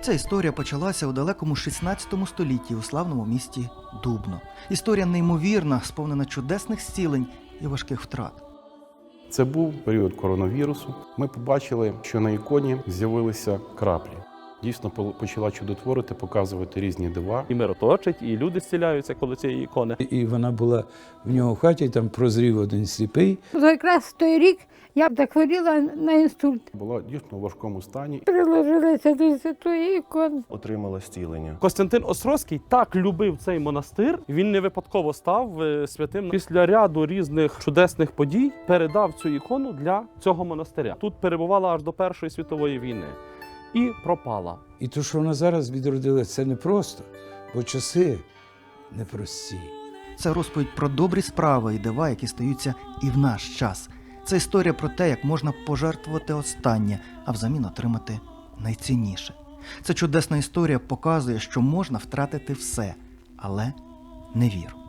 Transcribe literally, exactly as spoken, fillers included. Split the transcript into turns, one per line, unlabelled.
Ця історія почалася у далекому шістнадцятому столітті у славному місті Дубно. Історія неймовірна, сповнена чудесних зцілень і важких втрат.
Це був період коронавірусу. Ми побачили, що на іконі з'явилися краплі. Дійсно почала чудотворити, показувати різні дива.
І мир оточить, і люди зціляються коло цієї ікони.
І вона була в нього в хаті, там прозрів один сліпий.
Якраз той рік я б захворіла на інсульт.
Була дійсно у важкому стані.
Приложилася до святої ікони.
Отримала зцілення.
Костянтин Острозький так любив цей монастир, він не випадково став е, святим. Після ряду різних чудесних подій передав цю ікону для цього монастиря. Тут перебувала аж до Першої світової війни. І пропала.
І то, що вона зараз відродила, це непросто, бо часи непрості.
Це розповідь про добрі справи і дива, які стаються і в наш час. Це історія про те, як можна пожертвувати останнє, а взамін отримати найцінніше. Ця чудесна історія показує, що можна втратити все, але не віру.